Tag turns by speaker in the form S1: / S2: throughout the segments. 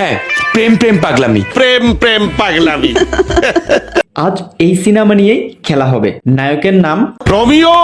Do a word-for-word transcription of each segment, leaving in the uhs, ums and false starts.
S1: হ্যাঁ, প্রেম প্রেম পাগলামি।
S2: প্রেম প্রেম পাগলামি।
S3: আজ এই সিনেমা নিয়েই খেলা হবে। নায়কের নাম
S2: রোমিও।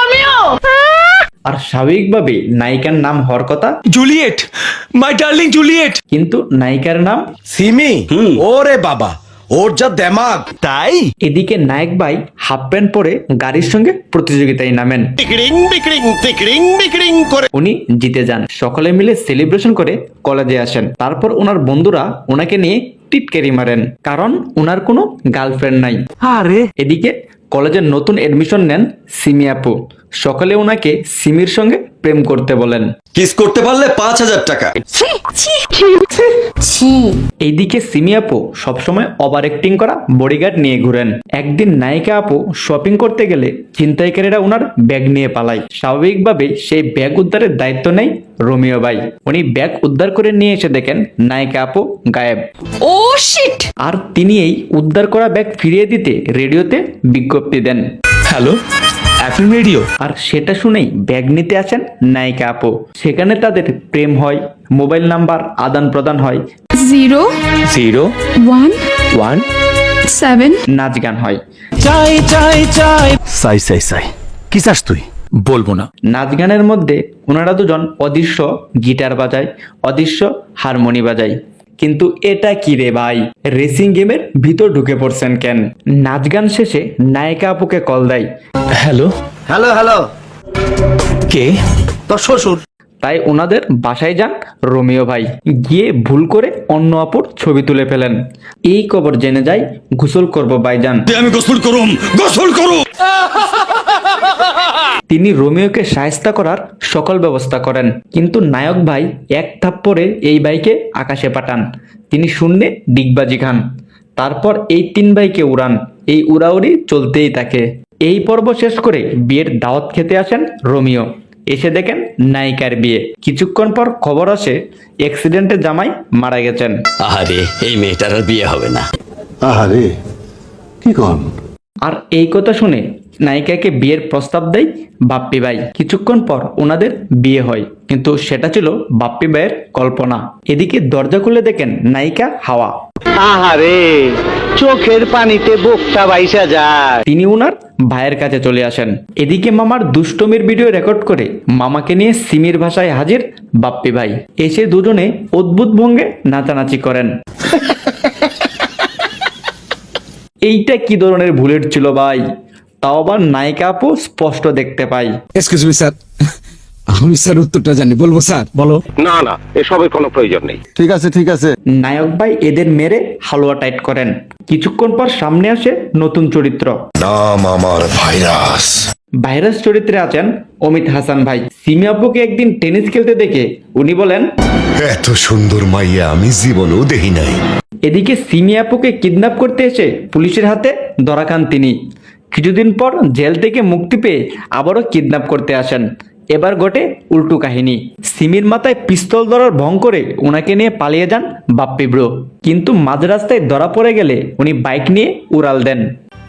S3: আর স্বাভাবিকভাবে নায়িকার নাম হওয়ার কথা,
S1: জুলিয়েট, মাই ডার্লিং জুলিয়েট।
S3: কিন্তু নায়িকার নাম
S4: সিমি। ওরে বাবা, ওর যা দেমাগ।
S1: তাই
S3: এদিকে নায়ক ভাই হাফ প্যান্ট পরে গাড়ির সঙ্গে প্রতিযোগিতায় নামেন।
S2: টিকরিং বিকরিং টিকরিং বিকরিং করে
S3: উনি জিতে যান। সকলে মিলে সেলিব্রেশন করে কলেজে আসেন। তারপর ওনার বন্ধুরা ওনাকে নিয়ে টিটকারি মারেন, কারণ ওনার কোনো গার্লফ্রেন্ড নাই।
S1: আরে
S3: এদিকে কলেজের নতুন এডমিশন নেন সিমি আপু। সকালে ওনাকে সিমির সঙ্গে প্রেম করতে বলেন।
S4: কিস করতে পারলে পাঁচ হাজার টাকা।
S3: এইদিকে সিমি আপু সবসময় ওভার অ্যাক্টিং করা বডিগার্ড নিয়ে ঘুরেন। একদিন নায়িকা আপু শপিং করতে গেলে ছিনতাইকারীরা ওনার ব্যাগ নিয়ে পালায়। স্বাভাবিকভাবে সেই ব্যাগ উদ্ধারের দায়িত্ব নেয় রোমিও ভাই। উনি ব্যাগ উদ্ধার করে নিয়ে এসে দেখেন নায়িকা আপু গায়েব।
S5: ও শিট!
S3: আর তিনি এই উদ্ধার করা ব্যাগ ফিরিয়ে দিতে রেডিওতে বিজ্ঞপ্তি দেন।
S1: Hello, FM radio.
S3: আর সেটা শুনেই ব্যাগ নিতে আসেন নায়িকা আপু। সেখানে তাদের প্রেম হয়, মোবাইল নাম্বার আদান প্রদান হয়,
S5: zero
S1: zero
S5: one
S1: one
S5: seven
S3: নাচ গান হয়।
S1: চাই চাই চাই।
S4: সাই সাই সাই, কি চাস তুই?
S1: বলবো না।
S3: নাচ গানের মধ্যে ওনারা দুজন অদৃশ্য গিটার বাজায়, অদৃশ্য হারমোনি বাজায়। কিন্তু এটা কি রে ভাই, রেসিং গেমের ভিতর ঢুকে পড়ছেন কেন? নাচ গান শেষে নায়িকা আপুকে কল দেয়।
S1: হ্যালো,
S4: হ্যালো হ্যালো,
S1: কে?
S4: তোর শ্বশুর।
S3: তাই ওনাদের বাসায় যান রোমিও ভাই। গিয়ে ভুল করে অন্য আপুর ছবি তুলে ফেলেন। এই খবর জেনে যায় গোসল করব ভাইজান।
S4: আমি গোসল করুম, গোসল করুম।
S3: তিনি রোমিওকে সাহায্য করার সকল ব্যবস্থা করেন, কিন্তু নায়ক ভাই এক থাপ্পড়ে এই ভাইকে আকাশে পাঠান। তিনি শূন্যে ডিগবাজি খান। তারপর এই তিন ভাইকে উড়ান। এই উড়াউড়ি চলতেই থাকে। এই পর্ব শেষ করে বিয়ের দাওয়াত খেতে আসেন রোমিও। এসে দেখেন নায়িকার বিয়ে। কিছুক্ষণ পর খবর আসে অ্যাক্সিডেন্টে জামাই মারা গেছেন।
S6: আরে এই মেয়েটার আর বিয়ে হবে না।
S7: আহারে কি কন?
S3: আর এই কথা শুনে নায়িকাকে বিয়ের প্রস্তাব দেয় বাপ্পি ভাই। কিছুক্ষণ পর ওনাদের বিয়ে হয়, কিন্তু সেটা ছিল বাপ্পি ভাইয়ের কল্পনা। এদিকে দরজা খুলে দেখেন নায়িকা হাওয়া।
S8: আহারে, চোখের পানিতে বুকটা বাইসা যায়।
S3: তিনি ওনার ভাইয়ের কাছে চলে আসেন। এদিকে মামার দুষ্টমির ভিডিও রেকর্ড করে মামাকে নিয়ে সিমির ভাষায় হাজির বাপ্পি ভাই। এসে দুজনে অদ্ভুত ভঙ্গে নাচানাচি করেন। এইটা কি ধরনের বুলেট ছিল ভাই? তাও আবার নায়িকা আপু স্পষ্ট দেখতে পাই।
S9: এক্সকিউজ মি স্যার, আমি স্যার উত্তরটা জানি, বলবো স্যার? বলো।
S2: না না, এসবের কোনো প্রয়োজন নেই।
S7: ঠিক আছে ঠিক আছে।
S3: নায়ক ভাই এদের মেরে হালুয়া টাইট করেন। কিছুক্ষণ পর সামনে আসে নতুন চরিত্র।
S7: নাম আমার ভাইরাস।
S3: ভাইরাস চরিত্রে আছেন অমিত হাসান ভাই। সিমি আপুকে একদিন টেনিস খেলতে দেখে উনি বলেন,
S7: এত সুন্দর মাইয়া আমি জীবনেও দেখি নাই।
S3: এদিকে সিমি আপুকে কিডন্যাপ করতে এসে পুলিশের হাতে ধরা খান তিনি। কিছুদিন পর জেল থেকে মুক্তি পেয়ে আবারও কিডন্যাপ করতে আসেন। এবার ঘটে উল্টো কাহিনী। সিমির মাথায় পিস্তল ধরার ভং করে ওনাকে নিয়ে পালিয়ে যান বাপ্পি ব্রো। কিন্তু মাঝ রাস্তায় ধরা পড়ে গেলে উনি বাইক নিয়ে উড়াল দেন।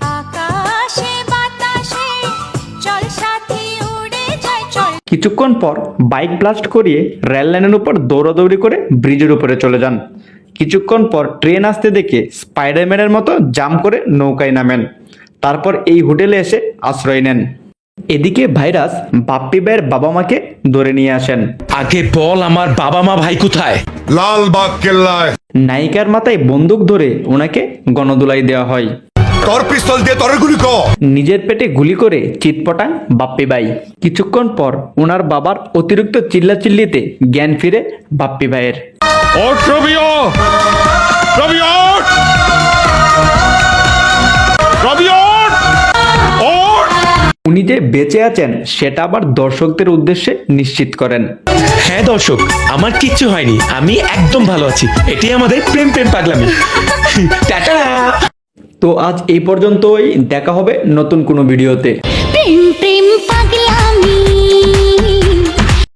S3: কিছুক্ষণ পর বাইক ব্লাস্ট করিয়ে রেল লাইনের উপর দৌড়াদৌড়ি করে ব্রিজের উপরে চলে যান। কিছুক্ষণ পর ট্রেন আসতে দেখে স্পাইডারম্যানের মতো জাম্প করে নৌকায় নামেন। তারপর এই হোটেলে এসে আশ্রয় নেন। এদিকে ভাইরাস বাপ্পি ভাইয়ের বাবা মাকে ধরে নিয়ে আসেন।
S1: আগে বল, আমার বাবা মা ভাই কোথায়?
S7: লালবাগ কেল্লায়।
S3: নায়িকার মাথায় বন্দুক ধরে ওনাকে গণদুলাই দেওয়া হয়।
S7: তোর পিস্তল দিয়ে তোর গুলি কর।
S3: নিজের পেটে গুলি করে চিৎপটান বাপ্পি ভাই। কিছুক্ষণ পর ওনার বাবার অতিরিক্ত চিল্লাচিল্লিতে জ্ঞান ফিরে বাপ্পি ভাইয়ের।
S2: ওঠ রোমিও, রোমিও ওঠ! রোমিও ওঠ! ওঠ!
S3: উনি যে বেঁচে আছেন সেটা আবার দর্শকদের উদ্দেশ্যে নিশ্চিত করেন।
S1: হ্যাঁ দর্শক, আমার কিচ্ছু হয়নি, আমি একদম ভালো আছি। এটাই আমাদের প্রেম প্রেম পাগলামি। টাটা।
S3: তো আজ এই পর্যন্তই। দেখা হবে নতুন কোনো ভিডিওতে।
S5: প্রেম প্রেম